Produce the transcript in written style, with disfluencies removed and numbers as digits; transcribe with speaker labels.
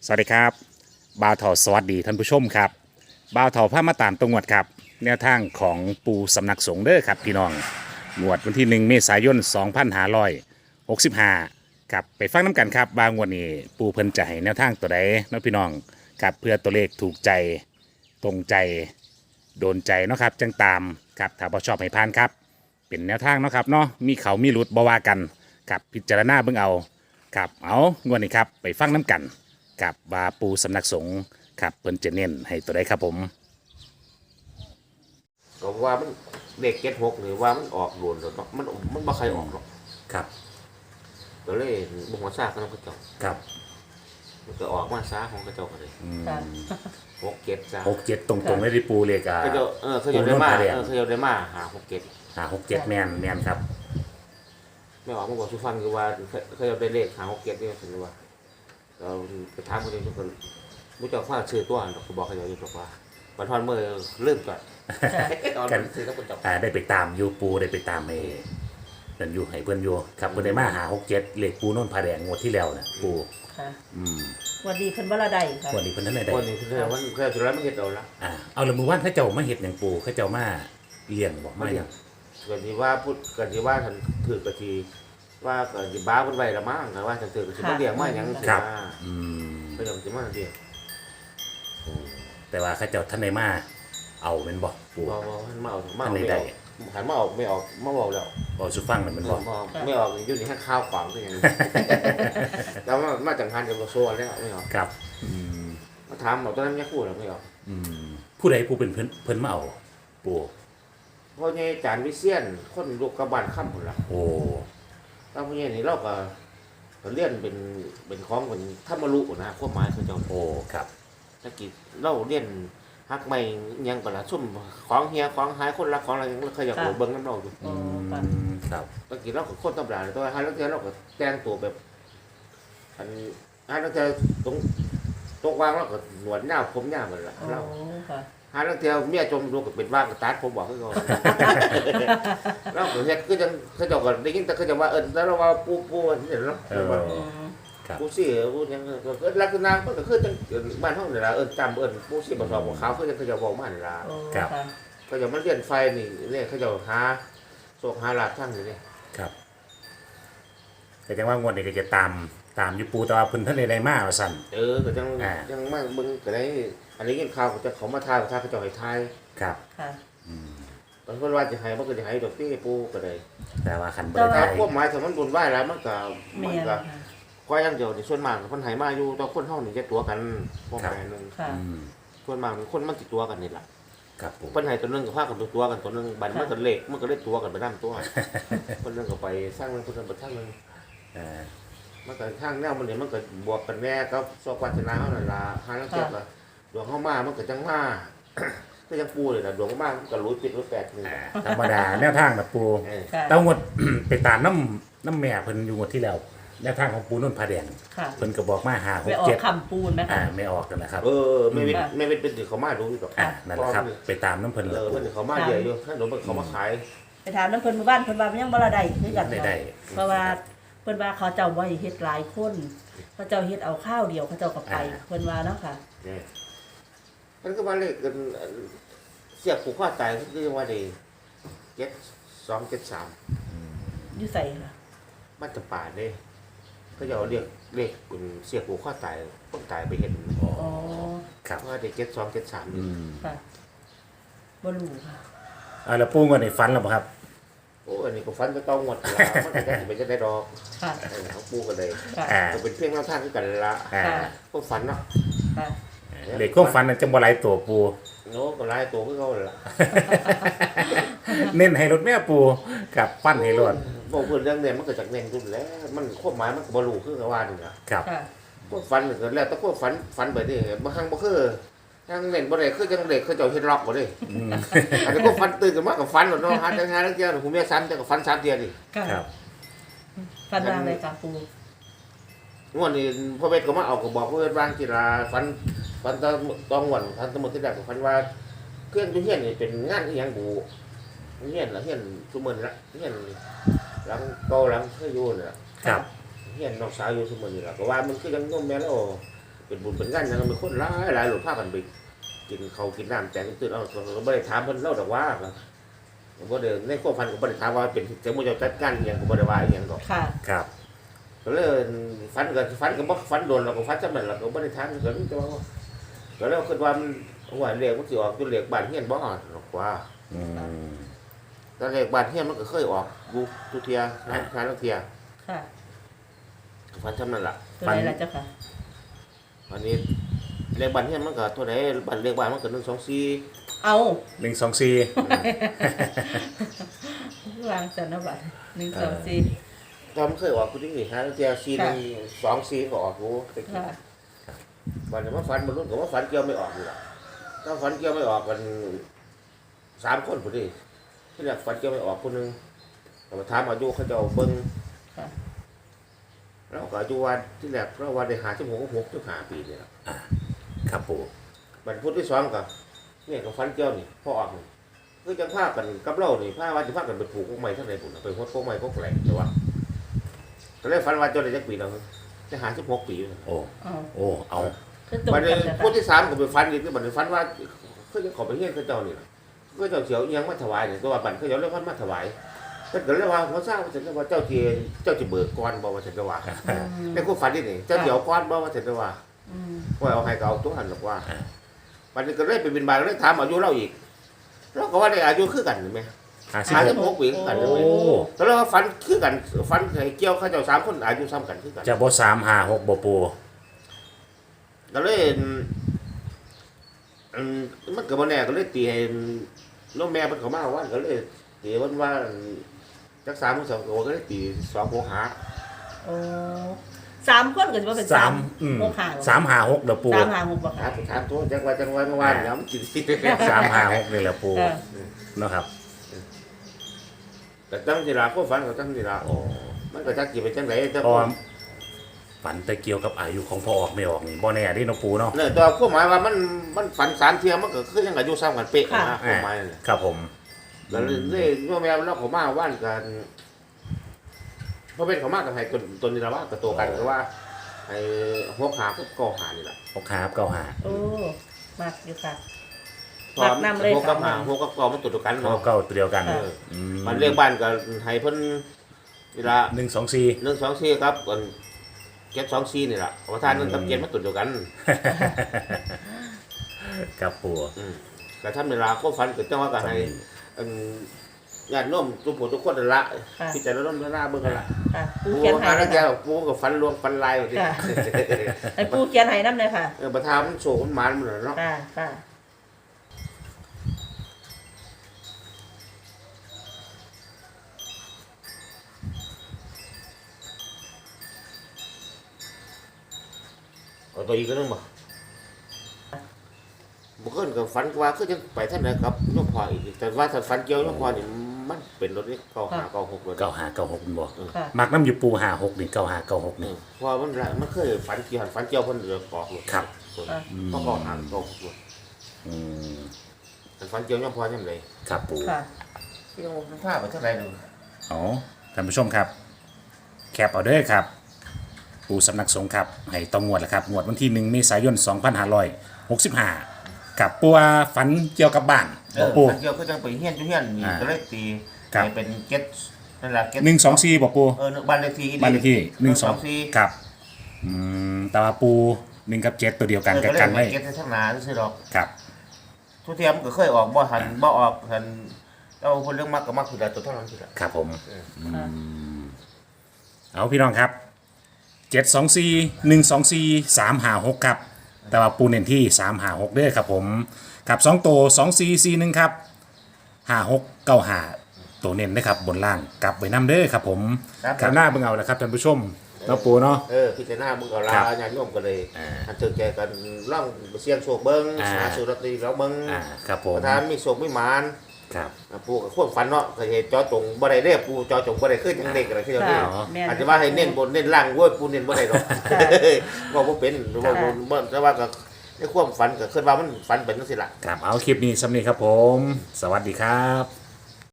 Speaker 1: สวัสดีครับบ่าวเถาสวัสดีท่านผู้ชมครับบ่าวเถาพามาตามตรงวดครับแนวทางของปูสำนักสงฆ์เด้อครับพี่น้องงวดวันที่1เมษายน2565ครับไปฟังน้ำกันครับบางวันนี้ปูเพิ่นจะให้แนวทางตัวใดเนาะพี่น้องครับเพื่อตัวเลขถูกใจตรงใจโดนใจเนาะครับจังตามครับถ้าบ่ชอบให้ผ่านครับเป็นแนวทางเนาะครับเนาะมีเขามีหลุดบ่ว่ากันครับพิจารณาเบิ่งเอาครับเอางวดนี้ครับไปฟังน้ำกัน กับบาปูสำนักสงฆ์ครับเพิ่นจะเน้นให้ตัวใดครับผม
Speaker 2: ก็ว่ามันเด็ก76หรือว่ามันออกโดนหรอกเนาะมันบ่ใครออกหรอก
Speaker 1: ครับ
Speaker 2: ก็เลยบ่หัวซากกันเขาเจ้า
Speaker 1: ครับ
Speaker 2: มันก็ออกมาซาของเขาเจ้าก็เลย67จ้า
Speaker 1: 67ตรงๆเลยที่ปูเลข
Speaker 2: เขาเจ้าเขาเจ้าได้มาเขาเจ้าได้มาหา67
Speaker 1: 67แม่นครับ
Speaker 2: ไม่ออกมาบอกสุฟันคือว่าเขาเจ้าได้เลขหา67นี่ถึงว่าเราไปถามเขาเจ้าทุกคนบ่เจ้าฟ้าชื่อตัวดอกก็บอกเขาเจ้าอยู่บอกว่าวันทอนมื้อเริ่มก่อน
Speaker 1: กันได้ไปตามอยู่ปูได้ไปตามนั่นอยู่ให้เพิ่นอยู่ครับเพิ่นได้มาหา67เลขปูโน่นผาแดงงวดที่แล้วน่ะปู
Speaker 3: ค่ะวันดีเพิ่นบ่ละได้ค่ะ
Speaker 1: วันนี้เพิ่นทันได้
Speaker 2: วันนี้เพิ่นวันเพิ่นสุดแล้วมันเฮ็ดเอาละ
Speaker 1: เอาละมื้อวานเขาเจ้ามาเฮ็ดหยังปูเขาเจ้ามาเลี้ยงบ่มาหยัง
Speaker 2: ก็สิว่าพูดก็สิว่าท่านถือก็สิว่าก็สิบ้าเพิ่นไว้ละมั้งก็ว่าท่านถือก็สิมาเลี้ยงมาหยังสิว่าก็ยังสิมาเลี้ยง
Speaker 1: แต่ว่าเขาเจ้าท่านได้มาเอาแม่นบ่ปู
Speaker 2: บ่มันมาเอาไม่ได้หันมาออกไม่ออกมาบอกแล้ว
Speaker 1: บ่สุฟังมันบ่
Speaker 2: ไม่ออกอยู่นี่ให้ข้าวขวางคือหยังแล้วมาจังหันจะบ่โซนแล้วไม่ออก
Speaker 1: ครับ
Speaker 2: มาถามเอาตอนนั้นยังพูดแล้วไม่ออก
Speaker 1: ผู้ใดผู้เป็นเพิ่นมาเอาปู
Speaker 2: พ่อใหญ่จานวิเชียรคนลูกกระบานค่ำพุ่นล่ะ
Speaker 1: โอ้
Speaker 2: แล้วพ่อใหญ่นี่เราก็เรียนเป็นของเป็นธรรมรุนะความหมายคือเจ้า
Speaker 1: โอ้ครับ
Speaker 2: ตะกี้เราเรียนฮักไม่ยังก่อนละซุ่มของเฮียของหายคนรักของอะไรยังเคยอยากเบิ่งน้ำเราอยู่
Speaker 1: ครับ
Speaker 2: ตะกี้เราก็โคตรตำราเลยตัวฮันแล้วเจอเราก็แต่งตัวแบบอันฮันแล้วเจอตรงวางเราก็หนวดหน้าผมหน้าเหมือนละเราฮันแล้วเจอเมียจมดูก็เป็นว่างก็ตัดผมบอกให้เขาเราก็เฮ็ดก็ยังเขาเจ้าก็ได้ยินแต่เขาจะว่าแล้วเราว่าปูนี่เนาะปูซี่ปูยังก็ลักษณะมันก็คือจังบ้านห้องนี่ล่ะจำปูซี่บ่สอบบ่ขาวเขาจะบอกมานี่ล่ะ
Speaker 1: ครับ
Speaker 2: เขาจะมาเรียนไฟนี่เขาจะหาโศกหาลาบทั้งนี่
Speaker 1: ครับแต่จังว่างวดนี้ก็จะตามอยู่ปูแต่ว่าเพิ่นท่านได้มาว่าซั่น
Speaker 2: ก็ยังมาเบิ่งก็ได้อันนี้ยินข่าวก็จะเขามาทายเขาจะให้ทาย
Speaker 1: ครับ
Speaker 3: ค่ะ
Speaker 2: บางคนว่าจะให้มันก็จะให้ดอกพี่ปูก็ได้
Speaker 1: แต่ว่าคันบ่ได้
Speaker 2: พวกหมายถ้ามันบุญไหว้แล้วมันก็ก็ยังเดียวในส่วนมากคนไทยมาอยู่ต่อคนเท่านี่จะตัวกันพวกแม่นึงส่วนมากคนมันติดตัวกันนี่แหละคนไทยตัวนึงกับภาคกันตัวกันตัวนึงบันมันก็เล็กมันก็เล็กตัวกันไปนั่นตัวคนนึงก็ไปสร้างนึงคนนึงไปสร้างนึงมันก็ทางแนวมันเนี่ยมันก็บวกกันแน่ก็สอบวัฒนาเขาหน่อยละหาแล้วเจ็บละดวงเข้ามามันก็จังมาก็ยังปูเลยนะดวงเข้ามาก็รู้ปิดรู้แปดนึง
Speaker 1: ธรรมดาแนวทางแบบปูแต่งวดไปตามน้ำแม่เพิ่นอยู่งวดที่แล้วแนวทางของปูนุ่นผาแดงเพิ่นก็บอกมาหา
Speaker 3: 67คำปูนไหม
Speaker 1: ไม่ออกกันนะครับ
Speaker 2: ไม่เป็นติเขามาดูอยู่หรอก
Speaker 1: นั่นแหละครับไปตามน้ำเพิ่น
Speaker 2: เพิ่นเขามาเยอะอยู่ถ้าหนูเป็นเขามาขาย
Speaker 3: ไปถามน้ำเพิ่นหมู่บ้านเพิ่นว่ามันยังบ่ละได้คือกันเพราะว่าเพิ่นว่าเขาเจ้าบ่ให้เฮ็ดหลายคนเขาเจ้าเฮ็ดเอาข้าวเดียวเขาเจ้าก็ไปเพิ่นว่าเนาะค่ะ
Speaker 2: มันก็มาเลขกันเสียบผูกข้อตายคือว่าได้7273
Speaker 3: อยู่ไสล่ะ
Speaker 2: บ้านจะป่าเด้ก็จะเรียกเลขเป็นเสียบผูกข้อตายต้องตายไปเห็น
Speaker 1: ครับ
Speaker 2: ว่าได้7273
Speaker 3: ค่ะบ่รู้ค่ะ
Speaker 1: แล้วปูงวดนี้ฝันแล้วบ่ครับ
Speaker 2: โอ้อันนี้ก็ฟันก็ต้องหมดละมันก็จะเป็นจะได้ดอกเขาปูกันเลยก็เป็นเพียงแนวทางที่กันละพวกฟันเนาะ
Speaker 1: เด็กก็ฟันจังบ่หลายตัวปู
Speaker 2: โน้ก็หลายตัวก็เขาละ
Speaker 1: เน้นให้รถแม่ปูกับฟันให้รถ
Speaker 2: บอกเพื่อนเรื่องเนี่ยมันเกิดจากเน้นรุ่นแล้วมันควบหมายมันก็บรรลุคือกับว่านี่
Speaker 1: ครับ
Speaker 2: พวกฟันก็แล้วแต่พวกฟันไปดิบางครั้งบ่คือทางเน้นบ่ได้คือจังเด็กเขาเจ้าเฮ็ดล็อกบ่ได้อันนี้พวกฟันตื่นกันมากับฟันเนาะหาจังหาแล้วเจ้าผมแม่ซ้ำจังกับฟัน3เดือนนี่
Speaker 3: ครับฟันวางเลยกับปู
Speaker 2: งวดนี้พ่อเวทก็มาเอาก็บอกพ่อเวทวางกีฬาฟันต้องหวนฟันสมุทรที่แรกก็ฟันว่าเครื่องทุเรียนนี่เป็นงานที่ยังบูเฮียนละเฮียนซุมื้อละเฮียนหลังเก่าหลังเคยอยู่น่ะ
Speaker 1: ครับ
Speaker 2: เฮียนน้องสาวอยู่ซุมื้อนี่ล่ะก็ว่ามันคือยังโยมแม่แล้วเป็นบุญเป็นงานยังมีคนหลายหลวงพากันไปกินเขาวกินน้ำแจงตื่นเอาเราไม่ได้ถามเพิ่นเล่าดอกว่าบ่ได้ในความฝันก็บ่ได้ถามว่าเป็นเจ้ามือเจ้าจัดการอิหยังก็บ่ได้ว่าอิหยังดอก
Speaker 3: ค่ะ
Speaker 1: ครับ
Speaker 2: ก็เลยฝันก็บ่ฝันโดนเราก็ฝันซ้ำนั่นล่ะก็บ่ได้ถามก็รู้แต่ว่าก็เลยคิดว่ามันว่าเลขมันสิออกจนเลขบ้านเฮียนบ่ออกหรอกว่า
Speaker 1: อืม
Speaker 2: แต่เลขบ้านเฮียนมันก็เคยออกอยู่ทุกเที่ยงานทุกเที่ย
Speaker 3: ค่ะ
Speaker 2: ฝันซ้ำนั่นล่ะ
Speaker 3: ตัวไหนล่ะเจ้าค่ะ
Speaker 2: อันนี้เลขบ้านเฮียนมันก็ตัวไหนบ้านเลขบ้านมันก็124
Speaker 3: เอา
Speaker 1: 124
Speaker 3: วางจันทบัตร1 2 4
Speaker 2: ตอนมันเคยออกกูที่นี่ฮะเที่ย4 1 2 4ก็ออกกูตะกี้
Speaker 3: ค่ะ
Speaker 2: วันนี้มาฝันมันรุ่นก็ว่าฝันเกี่ยวไม่ออกอยู่ล่ะถ้าฝันเกี่ยวไม่ออกกัน3 คนพอดีที่แรกฝันเกี่ยวไม่ออกคนนึงก็มาถามอายุเขาเจ้าเบิ่ง
Speaker 3: ค่ะ
Speaker 2: แล้วก็อายุวันที่แรกเราวันได้56ถึง5ปีนี่ล่ะ
Speaker 1: ครับปู
Speaker 2: บัดพุธที่2ก็เนี่ยก็ฝันเกี่ยวนี่พอออกนี่คือจังพากันกับเรานี่พาว่าสิพากันไปปลูกพวกไม้ทั้งไหนพุ่นน่ะไปฮดพวกไม้พวกแหลงแต่ว่าก็เลยฝันว่าเจ้าได้จักปีแล้วจะ56ปีอยู่นั่น
Speaker 1: โอ้
Speaker 3: เอา
Speaker 1: โอ้เอา
Speaker 3: คือตรง
Speaker 2: บัดนี้
Speaker 3: กันจ้ะ
Speaker 2: พุธที่3ก็ไปฝันอีกคือบัดนี้ฝันว่าคือจะขอไปเฮียนเขาเจ้านี่ล่ะก็เจ้าเสียวอิหยังมาถวายนี่ตัวบัดเขาเจ้าเลยพันมาถวายเพิ่นก็เลยว่าเขาทราบว่าฉันว่าเจ้าสิเบิกก่อนบ่ว่าฉันก็ว่า ในความฝันนี่เจ้าเดี๋ยวก้อนบ่ว่าฉันก็ว่า
Speaker 3: อืม
Speaker 2: ว่าเอาให้ก็เอาตัวหันหรอกว่าบัดนี้ก็เลยไปบินบาตเลยถามอายุเราอีกเราก็ว่าได้อายุคือกันใช่มั้ย 56 ปีคือกัน
Speaker 1: โอ้
Speaker 2: เลยก็เลยว่าฝันคือกันฝันให้เกี่ยวเขาเจ้า3 คนอายุซ้ำกันคือกัน
Speaker 1: จะบ่356บ่ปู
Speaker 2: ก็เลยมันก็บ่แน่ก็เลยตีให้น้องแม่เพิ่นเข้ามาว่าก็เลยตีว่าจัก3 2ก็เลยตี2 6 5
Speaker 3: โอ้3 คนก็สิว่าเป็น
Speaker 1: 3อืม
Speaker 3: 6 5
Speaker 1: 356เด้อปู
Speaker 3: 3 5 6บ่
Speaker 2: ถา
Speaker 3: ค่ะ
Speaker 2: มถามตัวจังว่าเมื่อวานเนี่ยมันกินสิ
Speaker 1: 356นี่แหละปู
Speaker 3: ค่ะ
Speaker 1: เนาะครับ
Speaker 2: แต่ตั้งทีละก็ฝันก็ตั้งทีละ
Speaker 1: โอ้
Speaker 2: มันก็จักสิเป็นจังไดแต่
Speaker 1: เพราะว่าฝันแต่เกี่ยวกับอายุของพ่อออกไม่ออกนี่บ่แน่เดิเนาะปูเนาะ
Speaker 2: เนี่ยตัวความหมายว่ามันฝัน3 เที่ยมันก็คือยังอายุซ้ำกันเป๊ะนะความหมายนั่นแหละ
Speaker 1: ครับผม
Speaker 2: แล้วเลยโยมแม่เราเขามาว่านกันเพราะเป็นเขามากับให้ตัวนี้ละว่ากับตัวกันก็ว่าไอ้หัวขาก็ก่อหานี่แหละ
Speaker 1: 65 95
Speaker 3: โอ้มากอยู่ค่ะ
Speaker 2: พอ
Speaker 3: นำเลย
Speaker 2: หัวกับหา
Speaker 3: ค่ะ
Speaker 2: หัวกับก่อมันตัวกัน
Speaker 1: เก้า
Speaker 2: เนาะ
Speaker 1: เก้าตัวเดียวกัน
Speaker 3: ค่ะ
Speaker 2: มันเรียกบ้านก็ให้เพิ่นเวลา
Speaker 1: 124
Speaker 2: 124ครับกัน724นี่ล่ะประธานนั้นกับ7มันตัวเดียวกัน
Speaker 1: ครับปู
Speaker 2: ก็ทำเวลาก็ฝันก็จังว่าก็ให้ญาติโยมทุกคนนั่นละ
Speaker 3: ค่ะ
Speaker 2: พิจารณาเบิ่งกันละ
Speaker 3: ค่ะปู
Speaker 2: ปู
Speaker 3: เขียน
Speaker 2: มา
Speaker 3: ให้
Speaker 2: แล้ว
Speaker 3: นะ
Speaker 2: แก
Speaker 3: คะ
Speaker 2: ปูก็ฝันรวมฝันลายว่าสิ
Speaker 3: ค่ะ ให้ปูเขียนให้นำเลยค่ะ
Speaker 2: ประธานมันโศกมันหมานมันเนาะ
Speaker 3: ค่ะค่ะ
Speaker 2: เอาตัวอีกก็นึงบ่บ่เกินก็ฝันว่าคือจังไปท่านใดครับโยมพ่ออีกแต่ว่าถ้าฝันเกี่ยวโยมพ่อนี่มันเป็นรถนี่95 96รถ
Speaker 1: 9596บ่
Speaker 3: ค่ะ
Speaker 1: มักน้ำอยู่ปู56นี่9596นี่
Speaker 2: เพราะมันเคยฝันเกี่ยวเพิ่นเดือดกอกรถ
Speaker 1: ครับ
Speaker 2: ก็95 96รถ
Speaker 1: อืม
Speaker 2: ฝันเกี่ยวโยมพ่อยามใด
Speaker 1: ครับปู
Speaker 3: ค่ะ
Speaker 2: ที่โยมพาไปเท่าใดนึง
Speaker 1: อ๋อท่านผู้ชมครับ แคปเอาเด้อครับ ปูสำนักสงฆ์ครับให้ต้องงวดแหละครับงวดวันที่1 เมษายน 2565กับปูว่าฝันเกี่ยวกับบ้านบ่ปู
Speaker 2: ฝันเกี่ยวคือจังไปเฮียนอยู่เฮียนนี่
Speaker 1: อ่า
Speaker 2: ก็เลยตี
Speaker 1: ครับ
Speaker 2: ให้เป็นเก็ตนั่นล่ะเก็ต
Speaker 1: 124บ่ปู
Speaker 2: บ้านเลขที่
Speaker 1: บ้านเลขที่
Speaker 2: 4
Speaker 1: 12ครับแต่ว่าปู1กับ7ตัวเดียวกันกับกันไว้
Speaker 2: เก็ตทั้งหนาซื่อดอก
Speaker 1: ครับ
Speaker 2: ทุกเทียมนก็เคยออกบ่หันบ่ออกหันแล้วคนเรื่องมักก็มักคือได้ตัวเท่านั้นคือได้
Speaker 1: ครับผม
Speaker 3: ค่ะ
Speaker 1: เอาพี่น้องครับ724 124 356ครับแต่ว่าปูเน้นที่356เด้อครับผมกับ2ตัว2441ครับ5695ตัวเน้นนะครับบนล่างกลับไว้นํเด้อครับผมกับหน้าเบิ่งเอาละครับท่านผู้ชมเนาะปูเนาะ
Speaker 2: พิจารณามึงก็ลา
Speaker 1: ครับ
Speaker 2: ญาติโยมก็เลย
Speaker 1: อ่า
Speaker 2: อันถึงแกกันร่องเสียงโชคเบิ่ง
Speaker 1: อ่า
Speaker 2: หาสุรตรีแล้วเบิ่ง
Speaker 1: ครับผม
Speaker 2: ประธานมีโชคมีหมาน
Speaker 1: ครับ
Speaker 2: ปู่ก็ควบฝันเนาะเคยเห็นจอจงบ่ได้เด้ปู่จอจงบ่ได้ขึ้นจังเด็กอะไรคือจังนี้
Speaker 3: ค่ะแม่น
Speaker 2: อาจจะว่าให้เน้นบนเน้นล่างเว้ยปู่เน้นบ่ได้หรอกว่าบ่เป็นหรือว่าบ่แต่ว่าก็ในความฝันก็คิดว่ามันฝันเป็นจังซี่ล่ะ
Speaker 1: ครับเอาคลิปนี้สำนี้ครับผมสวัสดีครับ